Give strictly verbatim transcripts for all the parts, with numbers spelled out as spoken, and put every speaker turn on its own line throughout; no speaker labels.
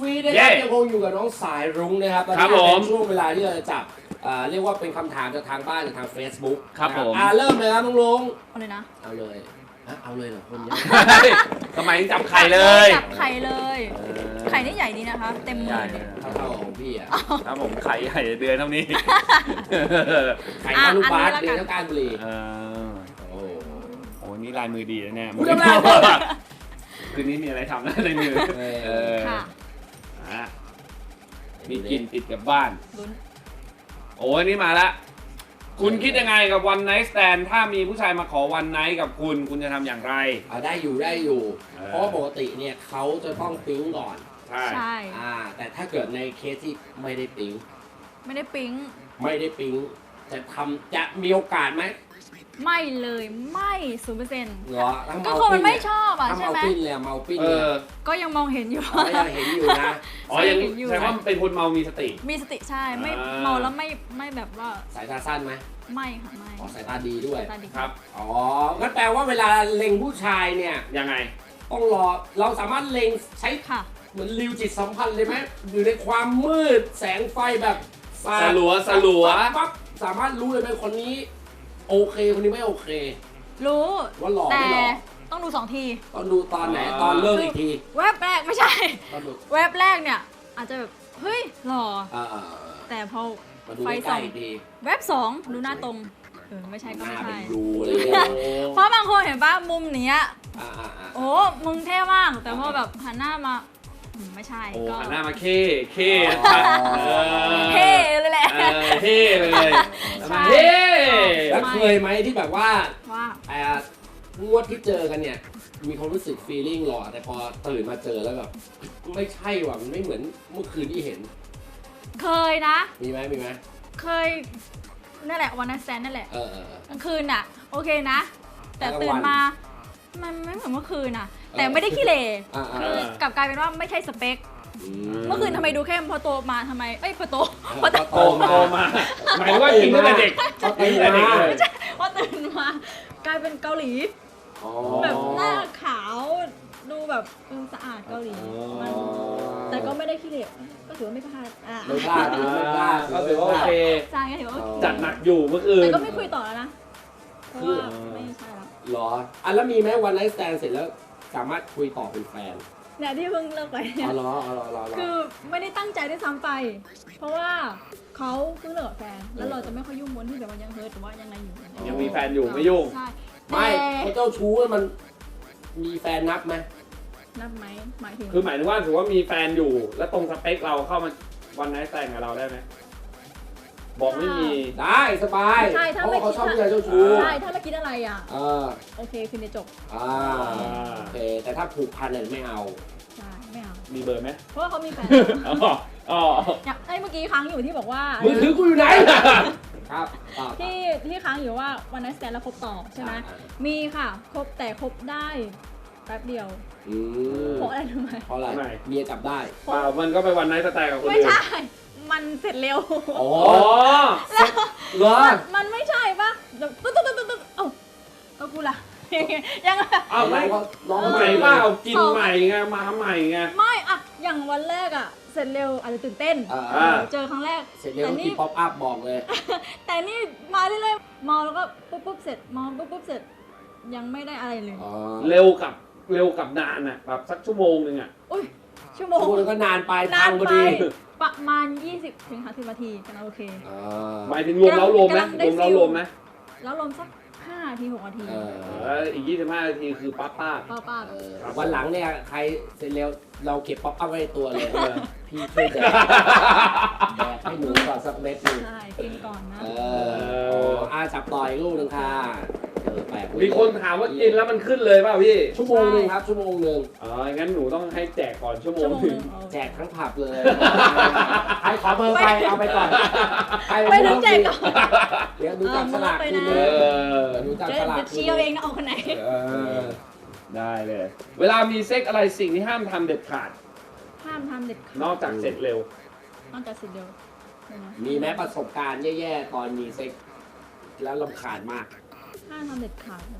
วีนะครับยังคงอยู่กับน้องสายรุ้งนะครับตอนนี้เป็นช่วงเวลาที่เราจะจับเรียกว่าเป็นคำถามจากทางบ้านจากทาง Facebook
ครับผม
อ่าเริ่มเลยครับน้องลุง
เอาเลยนะ
เอาเลยเอาเลยเหรอคนเยอะ
ทำไมจับไข่เลย
จับไข่เลยไข่นี่ใหญ่ดีนะคะเต็มมือ
เท่าๆของพี่อ่ะ
ครับผมไข่ใหญ่เดือนเท่านี้
ไข่ทะลุบาสเดือนเท่าการบุรี
โอ้โหนี่ลายมือดีนะเนี่ยคืนนี้มีอะไรทำนะในมือค่ะมีกินติดกับบ้านโอ้ยนี่มาละคุณคิดยังไงกับวันไนท์สแตนถ้ามีผู้ชายมาขอวันไนท์กับคุณคุณจะทำอย่างไร
อ่าได้อยู่ได้อยู่เพราะปกติเนี่ยเขาจะต้องปิ๊งก่อน
ใช่ใช่
อ่าแต่ถ้าเกิดในเคสที่ไม่ได้ปิ๊ง
ไม่ได้ปิ๊ง
ไม่ได้ปิ๊งจะทำจะมีโอกาสไหม
ไม่เลยไม่ศูนย์เปอร์เซ็นต์
เหรอ
ก็คนมันไม่ชอบอ่ะใช่ไหม
เมาปิ้นเลยเมาปิ้นเลย
ก็ยังมองเห็นอยู่
ยังเห็นอยู่นะ
อ๋อยังแสดงว่าเป็นคนเมามีสติ
มีสติใช่ไม่เมาแล้วไม่ไม่แบบว่า
สายตาสั้นไหม
ไม่ค่ะไม่
อ๋อสายตาดีด้วย
ครับ
อ๋องั้นแปลว่าเวลาเล็งผู้ชายเนี่ย
ยังไง
ต้องรอเราสามารถเล็งใช้
ค่ะ
เหมือนริวจิตสัมพันธ์เลยไหมอยู่ในความมืดแสงไฟแบบ
สลัวสลัว
ปั๊บสามารถรู้เลยไหมคนนี้โอเคคนนี้ไม่โอเค
รู้
ว่าหล่อ
ไม่
หล่อ
ต้องดูสองที
ต้องดูตอนไหนตอนเลิกอีกที
เว็บแรกไม่ใช่เว็บแรกเนี่ยอาจจะแบบเฮ้ยหล่อแต่พอไฟส่องเว็บสองดูหน้าตรงเออไม่ใช่ก็ไม่ใช่เพราะบางคนเห็นป่ะมุมเนี้ยโอ้มึงเท่มากแต่พอแบบหันหน้ามาไม่ใช่
ก็หันหน้ามาเค้เค้
เท่เลยแหละ
เท่เลยเท่
แล้วเคยไหมที่แบบว่า
ว่
างวดที่เจอกันเนี่ยมีความรู้สึกฟีลลิ่งหล่อแต่พอตื่นมาเจอแล้วแบบไม่ใช่ว่ะมันไม่เหมือนเมื่อคืนที่เห็น
เคยนะ
มีไหมมีไหม
เคยนั่นแหละวันนั้นแซนนั่นแหละ
เออก
ลางคืนอ่ะโอเคนะแต่ตื่นมามันไม่เหมือนเมื่อคืนน่ะแต่ไม่ได้ขี้เหร่คือกลับกลายเป็นว่าไม่ใช่สเปคเมื่อคืนทำไมดูเข้มพอโตมาทำไมเอ้ยพอโต
พอโต
มาหมายว่ากินตั้งแต่เด็ก
กินตั้งแต่เด็กเลย
พอตื่นมากลายเป็นเกาหลีแบบหน้าขาวดูแบบสะอาดเกาหลีแต่ก็ไม่ได้ขี้เหร่ก็ถือว่าไม่พลาด
ไม่พลาดไม่พลาด
ก็ถือว่าโอเค
ใช่ก็ถือว่าโอเค
จัดหนักอยู่เมื่อคืน
แต่ก็ไม่คุยต่อแล้วนะเพราะว่าไม่ใช่แล้ว
หรออ่ะแล้วมีไหมวันไนท์สแตนเสร็จแล้วสามารถคุยต่อเป็นแฟน
เนี่ยที่เพิ่งเลิกไป
อ๋อเหรออ๋อเหรอ
คือไม่ได้ตั้งใจได้ซ้ำไปเพราะว่าเขาเพิ่งเลิกกับแฟนแล้วเราจะไม่ค่อยยุ่งวนที่แบบว่ายังเฮิร์ตหรือว่ายังไงอยู่
ยังมีแฟนอยู่ไม่ยุ่ง
ใช่
ไม่เขาเจ้าชู้มันมีแฟนนับไหม
นับไหมหมายถึง
คือหมายถึงว่าถือว่ามีแฟนอยู่แล้วตรงสเปคเราเข้ามาวันไนท์แต่งกับเราได้ไหมบอกไม่มี
ได้สบาย
ใช่ถ้าไม่
เขาชอบผู้ชายเจ้าชู้
ใช่ถ้าไม่คิดอะไรอ่ะ
เออ
โอเคคือในจบ
อ่าโอเคแต่ถ้าผูกพันเนี่ยไม่เอา
ใช่ไม่เอา
มีเบอร์ไหม
เพราะว่าเขามีแฟน
อ๋ออ๋อ
ไอ้เมื่อกี้ค้างอยู่ที่บอกว่า
มือถือกูอยู่ไหนครับ
ที่ที่ค้างอยู่ว่าวันนั้นสแตนแล้วคบต่อใช่ไหมมีค่ะคบแต่คบได้แป๊บเดียวเพราะอะไรรู้ไหม
เพราะอะไรเมียจับได้
เปล่ามันก็ไปวันไนท์สแตนกับคนอื่น
ไม่ใช่มันเสร็จเร็ว
อ๋อเหรอ
มันไม่ใช่ปะตุ๊ดตุ๊ดตุ๊ดตุ๊ดเอ้าก็กูล่ะยัง
เอาไม่ลองใหม่ป่ะเอากินใหม่ไงมาใหม่ไง
ไม่อะอย่างวันแรกอะเสร็จเร็วอาจจะตื่นเต้นเจอครั้งแรก
เสร็จเร็วกินป๊อปอัพบอกเลย
แต่นี่มาเรื่อยๆมองแล้วก็ปุ๊บปุ๊บเสร็จมองปุ๊บปุ๊บเสร็จยังไม่ได้อะไรเลย
เร็วกับเร็วกับนานอะแบบสักชั่วโมงนึงอะ
อุ้ยชั่วโมง
ก็นานไปทางพอดี
ประมาณยี่สิบถึงห้าสิบนาทีกันโอเค
หมายถึงรวมแล้วรวมไหมรวมแล้วรวมไหม
แล้วรวมสักห้านาทีหกนาที
อีกยี่สิบห้านาทีคือป๊าป้า
ป้าป้า
วันหลังเนี่ยใครเสร็จแล้วเราเก็บป๊อปอัพไว้ในตัวเลยพี่ช่วยแดกแดกให้หนูก่อนสักเม็ดนึง
ใช่กินก่อนนะ
เอออาจับต่อยลูกนึงค่ะ
มีคนถามว่ากินแล้วมันขึ้นเลยป่ะพี่
ชั่วโมงนึงครับชั่วโมงนึง
อ๋องั้นหนูต้องให้แจกก่อนชั่วโมงนึง
แจกทั้งผับเลยใครขอเบอร์ไปเอาไปก่อนใคร
ไม่ต้องแจกก่อน
เดี๋ยวดูจับสลากคืนเลยดูจับสลาก
เชียวเองนะเอาคนไหน
ได้เลยเวลามีเซ็กอะไรสิ่งที่ห้ามทำเด็ดขาด
ห้ามทำเด็ดขาด
นอกจากเสร็จเร็วน
อกจากเสร็จเร็ว
มีแม้ประสบการณ์แย่ๆตอนมีเซ็กแล้วรำคาญมาก
ห้ามทำเด็ดขาด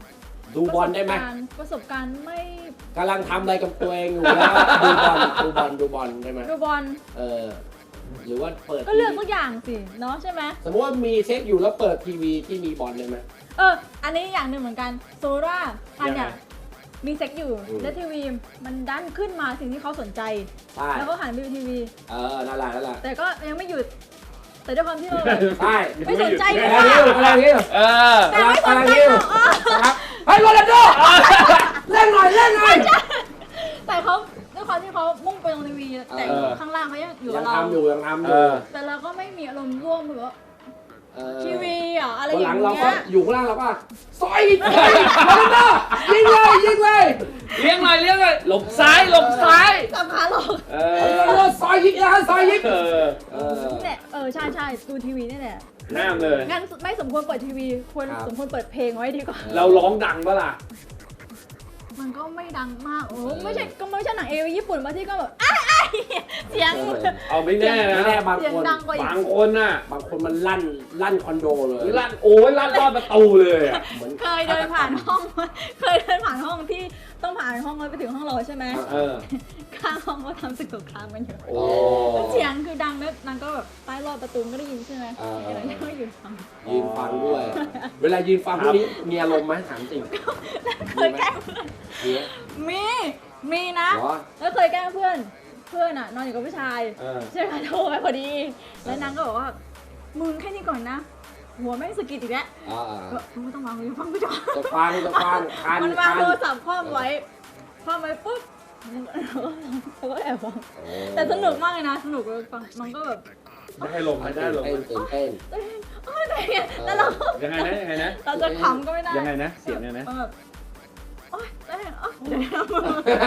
ดูบอลได้ไหม
ประสบการณ์ไม่
กำลังทำอะไรกับตัวเองอยู่แล้วดูบอลดูบอลดูบอลได้ไหม
ดูบอล
เออหรือว่าเปิด
ก็เลือกทุกอย่างสิเนาะใช่ไหม
สมมติว่ามีเซ็กอยู่แล้วเปิดทีวีที่มีบอลได้ไหม
เอออันนี้อย่างหนึ่งเหมือนกันโซล่าอันเนี่ยมีเซ็กอยู่แล้วทีวีมันดันขึ้นมาสิ่งที่เขาสนใจ
ใช่
แล้วก็หันไปดูทีวี
เออนั่นแหละนั่นแหละ
แต่ก็ยังไม่หยุด แต่ด้วยความที่เราแบบ
ใช่
ไม่สนใจ
กำ
เล
ลัง
ย
ยิ้วกำลังยิ้ว
เออ
แต่ไม่สนใจหรอกเออ
ครับเฮ้ยโรนัลโดเล่นหน่อยเล่นหน่อย
แต่เขาด้วยความที่เขามุ่งไปตรงทีวีแต่ข้างล่างเขายังอยู่
ยั
กับ
ง
เรา
ทำอยู่ยังทำอ
เอยู่ อ
แต่เราก็ไม่มีอารมณ์ร่วมแบบว่า
เออ
ทีวีอ่ะอะไร
วัน
อ
หลั
ย่าง ง
เรา
เงี้
ก็
ย
อยู่ข้างล่างเราก็ซอยอีกซอยอีกโรนัลโดยิงเลยยิงเลย
เลี้ยงหน่อยเลี้ยงหน่อยหลบซ้ายหลบซ้าย
จับขาหลอก
เอ
โร
อ
นัลโดซอยยิงนะซอยยิง
เออ
เออ
เนี่ยเออใช่ใช่ดูทีวีนี่แหละ
ห้ามเลย
งั้นไม่สมควรเปิดทีวีควร
ครับ
สมควรเปิดเพลงไว้ดีกว่า
เราร้องดังปะล่ะ
มันก็ไม่ดังมากโอ้ไม่ใช่ก็ไม่ใช่หนังเอวีญี่ปุ่นบางที่ก็แบบอ้ายอ้ายเสียง
เอาไม่แน่นะ
ไม่แน่บาง
เสียง
คน
ดังกว่าอีก
บางคนน่ะ
บางคนมันลั่นลั่นคอนโดเลย
ลั่นโอ้ยลั่นรอดประตูเลยอะ
เหมือน
เคยเดินผ่านห้อง เคยเดินผ่านห้องที่ต้องผ่านห้องแล้วไปถึงห้องเราใช่ไหม
เออ
ข้างห้องก็ทำศึกสงครามกันอยู่
โอ้
เสียงคือดังแล้วนางก็แบบใต้รอบประตูก็ได้ยินใช่ไหม
เออ
เดี๋ยวนี้ก็อยู่ฟัง
ยืนฟังด้วย เวลายืนฟังพวกนี้มีอารมณ์ไหมถามจริง
เคยแกล้งเพื่อน
มีไหม
มี มีนะ
เหรอ
แล้วเคยแกล้งเพื่อน เพื่อนอ่ะนอนอยู่กับผู้ชาย
เออ
ใช่ไหมโทรไปพอดี แล้วนางก็บอกว่า มึงแค่นี้ก่อนนะ หัวแม่งสะกิดอีกแล้ว
อ่า
ก็มึงไม่ต้องวางมือฟังกูก่อน
จะฟังจะฟังคัน
มันวาง
คัน
โทรศัพท์คว่ำไว้คว่ำไว้ปุ๊บแล้วก็แอบฟัง
โอ้
แต่สนุกมากเลยนะ สนุกเลยฟังมันก็แบบ
ได้ลมไม่ได้ลม
เต้นตื่นเต้น
เอ้ยเอ้ยอะไรเงี้ยแล้วเราก็
ยังไงนะยังไงนะ
เราจะขำก็ไม่ได้
ยังไงนะเสียงเนี่ยนะ
มันแบบโอ๊ยได้โอ๊ยเดี๋ยวนะมึง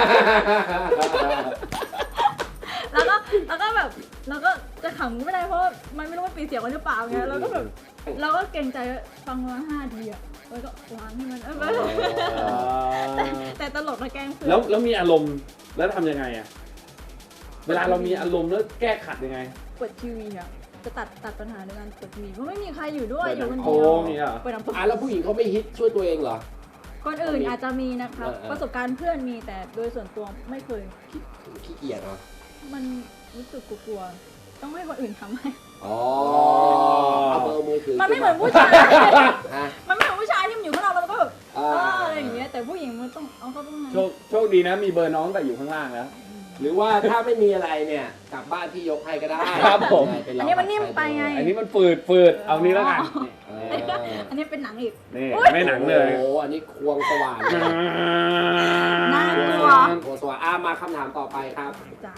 แล้วก็แล้วก็แบบแล้วก็จะขำก็ไม่ได้เพราะมันไม่รู้ว่าปีเสียงมันหรือเปล่าไงแล้วก็แบบเราก็เกรงใจฟังมาห้าทีอะแล้วก็วางให้มันเออแต่แต่ตลกนะแกล้งเพื่อน
แล้วแล้วมีอารมณ์แล้วทำยังไงอะเวลาเรามีอารมณ์แล้วแก้ขัดยังไง
เปิดทีวีอะจะตัดตัดปัญหาด้วยการเปิดทีวีเพราะไม่มีใครอยู่ด้วย
เปิด
อยู่คน
ลำโพ
เดียว
งเนี่ยเหรอ
เปิดลำโพง
อ่ะแล้วผู้หญิงเขาไม่ฮิตช่วยตัวเองเหรอ
คนอื่นอาจจะมีนะครับ
เออเออ
ประสบการณ์เพื่อนมีแต่โดยส่วนตัวไม่เคย
ขี้เกียจเหรอ
มันรู้สึกกลัวๆต้องให้คนอื่นทำให้
อ๋อเอาเบอร์มือถือ
มันไม่เหมือนผู้ชาย
ฮะ
มันไม่เหมือนผู้ชายที่มันอยู่ข้างนอกแล้วมันก็แบบ
อ่า
เอออะไรอย่างเงี้ย แต่ผู้หญิงมันต้องเอาเข้าไปข้างใน
โชคโชคดีนะมีเบอร์น้องแต่อยู่ข้างล่างแล้ว
หรือว่าถ้าไม่มีอะไรเนี่ยกลับบ้านพี่ยกให้ก็ได้
ครับผม
เป็
อันนี้มันนิ่มไปไง
อันนี้มันฝืดฝืดเอานี้แล้วกัน
เอ
อันนี้เป็นหนังอีก
นี่ไม่หนังเลย
โอ้โหอันนี้ควงสว่าน
น่ากลัว
ควงสว่านอ่ะมาคำถามต่อไปครับ
จ้า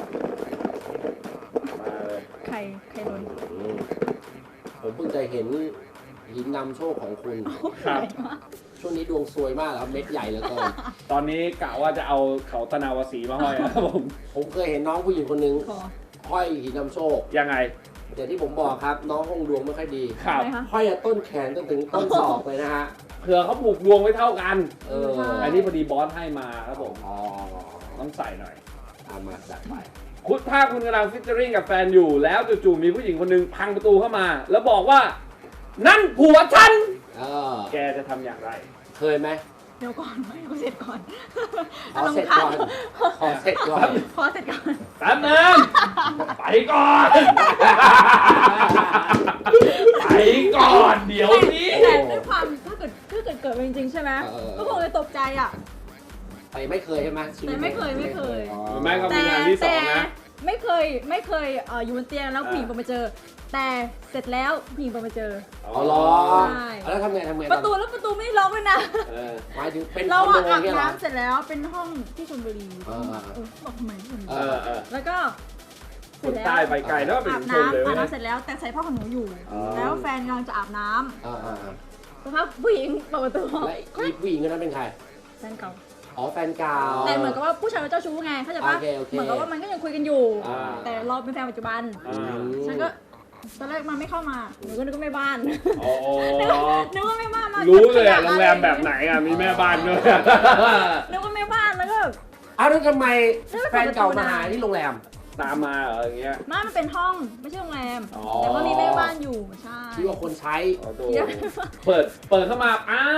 ใครใครโดน
อืมผมเพิ่งจะเห็นหินนำโชคของคุณ
ครับ
ช่วงนี้ดวงซวยมากครับเม็ดใหญ่เหลือเกิน
ตอนนี้กะว่าจะเอาเขาตะนาวสีมาห้อยนะครับผม
ผมเคยเห็นน้องผู้หญิงคนหนึง
ขอ
ห้อยหินนำโชค
ยังไง
อย่างที่ผมบอกครับ น้องห้องดวงไม่ค่อยดี
ครับ
อะไรคะ
ห้อยจากต้นแขนจนถึงต้นศอกเลยนะฮะ
เผื่อเขาผูกดวงไว้เท่ากัน
เออ
ใช่
อันนี้พอดีบอสให้มาครับผม
อ๋อ
ต้องใส่หน่อย
ตามมาจัดไป
คุณถ้าคุณกำลังฟิชเจอริงกับแฟนอยู่ แล้วจู่ๆมีผู้หญิงคนหนึงพังประตูเข้ามา แล้วบอกว่า นั่นผัวฉัน
เออ
แกจะทำอย่างไร
เคยไหม
เดี๋ยวก่อนไม่เอาเสร็จก่อน
ขอเสร็จก่อนขอเสร็จก่อน
ขอเสร็จก่อน
แป๊บนึงไปก่อน ไปก่อนเดี๋ยวนี้
แต่ด้วยความถ้าเกิดถ้าเกิดเกิดมาจริงๆใช่ไหม
เออ
ก็คงจะตกใจอ่ะ
แต่ไม่เคยใช่ไหมชีวิต
แต่ไม่เคยไม่เคย
อ๋อ
แม่ก็
แต่
มีงานที่สอ
แต่
งนะ
ไม่เคยไม่เคยเอ่ออยู่บนเตียงแล้วผู้หญิงเปิดมาเจอ แต่เสร็จแล้วผู้หญิงเปิดมาเจอ
อ๋อเหรอ
ใช่
แล้วทำไงทำไง
ประตูแล้วประตูไม่ได้ล็อกเลยนะ
เออ
หมายถึงเป็นค
เรา
อนโด
อะอาบ
เนี่ยเหรอ
น้ำเสร็จแล้วเป็นห้องที่ชลบุรี
อ่า
เออบอกทำไมที่ชลบุ
เอ
รี
เออเออ
แล้วก็เส
ค
ร็จ
น
แล้ว
ใต้ไปไกลแล้วเป็น
อาบ
ชนเลย
น้ำอาบ
นะ
น้ำเสร็จแล้วแต่ใส่ผ้าขนหนูอยู่
อ๋อ
แล้วแฟนกำลังจะอาบน้
อ่าอ่าอ่า
ำสักพักผู้หญิงเปิดประตู
และอีผู้หญิงคนนั้นเป็นใคร
แฟนเก่า
อ๋อแฟนเก่า
แต่เหมือนกับว่าผู้ชายเป็นเจ้าชู้ไงเข้าใจปะ
โอเคโอเค
เหมือนกับว่ามันก็ยังคุยกันอยู่
อ่า
แต่เราเป็นแฟนปัจจุบัน
อ่า
ฉันก็ตอนแรกมันไม่เข้ามาหนูก็นึกว่าแม่บ้าน
อ๋อ
นึกว่าแม่บ้านมา
รู้เลยอะ
ก็
โรงแรมแบบไหนอะมีแม่บ้านด้วย
นึกว่าแม่บ้านแล้วก็
อ้าวแล้วทำไม
แล้ว
แฟนเก่ามาหาที่โรงแรม
ตามมาเหรออย่างเงี้ย
ไมามันเป็นห้องไม่ใช่โรงแรม
อ๋อ
แต่ว่ามีแม่บ้านอยู่ใช่
ที่ว่าคนใช้
อ๋อโด
เดี๋ยว
เปิด เปิดเข้ามาอาร์ต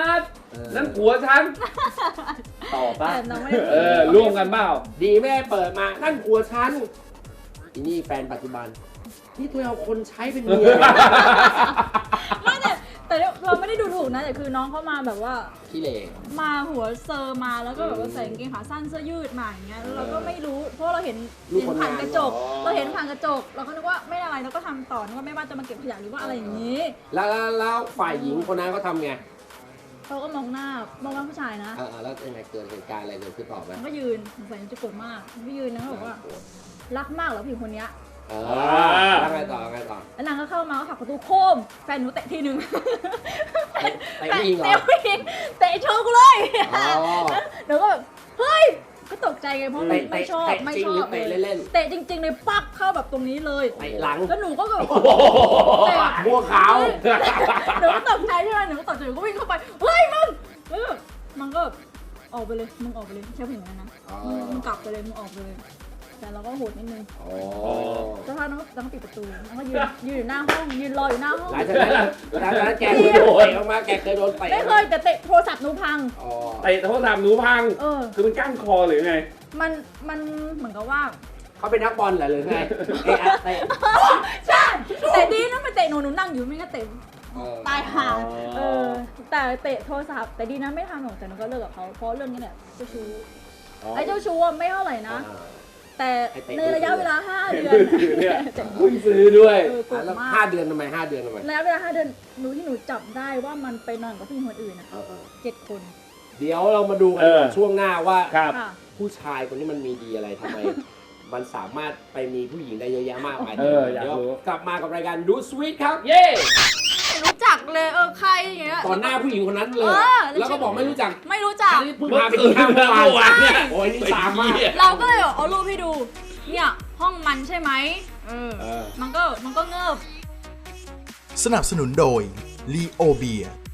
นั่นผัวฉันต่อป่ะ
แต่น้องไม่ได้
เออร่วมกันเปล่า
ดีแม่เปิดมานั่นผัวฉันอีนี่แฟนปัจจุบันนี่ตัวเอาคนใช้เป็นเมีย
ไม่แต่แต่เราไม่ได้ดูถูกนะแต่คือน้องเขามาแบบว่า
ขี้เหร่
มาหัวเซอร์มาแล้วก็แบบว่าใส่กางเกงขาสั้นเสื้อยืดมาอย่างเงี้ยแล้วเราก็ไม่รู้เพราะเราเห็นเห็นผ่านกระจก เราเห็นผ่านกระจก เราก็นึกว่าไม่อะไรเราก็ทำต่อนึกว่าไม่ว่าจะมาเก็บขยะหรือว่าอะไรอย่างนี้
แล้วแล้วแล้วฝ่ายหญิงคนนั้นเขาทำไง
เขาก็มองหน้ามองหน้าผู้ชายนะ
อ่าแล้วยังไงเกิดเหตุการณ์อะไรเกิดขึ้นต่อไหม
มันก็ยืนสงสัยจะโกรธมากไม่ยืนนะเขาบอกว่ารักมากเหรอผู้หญิงคนเนี้ย
เออแล้วไงต่อไงต่อ
แล้วนางก็เข้ามาก็ผลักประตูโค้มแฟนหนูเตะทีนึง
เตะเตะผู้หญิงเหรอ
เตะผู้หญิงเตะโชว์กูเลย
อ๋อ
หนูก็แบบเฮ้ยก็ตกใจไงเพราะ
เตะ
ไม่ชอบ
เตะ
ไม่
จริง
ชอ
หรือบ เตะเล่นๆ
เตะจริงๆเลยปักเข้าแบบตรงนี้เลย
เตะหลัง
แล้วหนูก็แบบ
เตะบัวขาว
หนูก็ตกใจใช่ไหมหนูก็ตกใจหนูก็วิ่งเข้าไปเฮ้ยมึงแล้วแบบมันก็แบบออกไปเลยมึงออกไปเลยใช่ผู้หญิงคนนั้นนะ
อ๋อ
มึงกลับไปเลยมึงออกไปเลยแต่เราก็โหดนิดนึง
อ๋อ
สักพักน้องน้องปิดประตูน้องก็ยืนยืนอยู่หน้าห้องยืนรออยู่หน้าห้อง
หลังจากนั้นล่ะหลังจากนั้นแกเคยโดนเตะออกมาแกเคยโดนเตะ
ไม่เคยแต่เตะโทรศัพท์หนูพัง
อ๋อ
เตะโทรศัพท์หนูพัง
เออ
คือมันก้านคอหรือไง
มันมันเหมือนกับว่า
เขาเป็นนักบอลเหรอหรือไงเตะอะเตะ
ใช่แต่ดีนะไม่เตะหนูหนูนั่งอยู่ไม่งั้นเตะ
เออ
ตายห่า
อ๋อ
เออแต่เตะโทรศัพท์แต่ดีนะไม่ทำหรอกแต่หนูก็เลิกกับเขาเพราะเรื่องนี้แหละเจ้าชู้ไอ้เจ้าชู้อะไม่เท่าไหร่นะ
อ่า
แต่
ไอ้เตะ
ในระยะเวลาห้าเดือน
มือถือเนี่ยเพิ่งซื้อด้วย
เออโกร
อ่ะ
ธ
แล้ว
มาก
ห้าเดือนทำไมห้าเดือนทำไม
ระยะเวลาห้าเดือนหนูที่หนูจับได้ว่ามันไปนอนกับผู้หญิงคนอื่นอ่ะ
เออเออ
เจ็ดคน
เดี๋ยวเรามาดูกัน
เออ
ช่วงหน้าว่า
ครับ
ค่ะ
ผู้ชายคนนี้มันมีดีอะไรทำไม มันสามารถไปมีผู้หญิงได้เยอะแยะมากมาย
เอออยาก
เดี๋ยว
รู้
กลับมากับรายการดูสวีทครับ
เย้
ไม่รู้จักเลยเออใครอย่างเงี้ย
ตอนหน้าผู้หญิงคนนั้นเล
เอย อ
แล้วก็บอกไม่รู้จัก
ไม่รู้จัก
นี่เพิ่งพาไปกินข้าวเมื่อวาน
เมื่อวานเนี่ย
โอ้ยนี่สามมาก
เราก็เลยเอารูปให้ดู เนี่ยห้องมันใช่ไหมเออ
เออ
มันก็มันก็เงิบ
สนับสนุนโดย ลีโอเบีย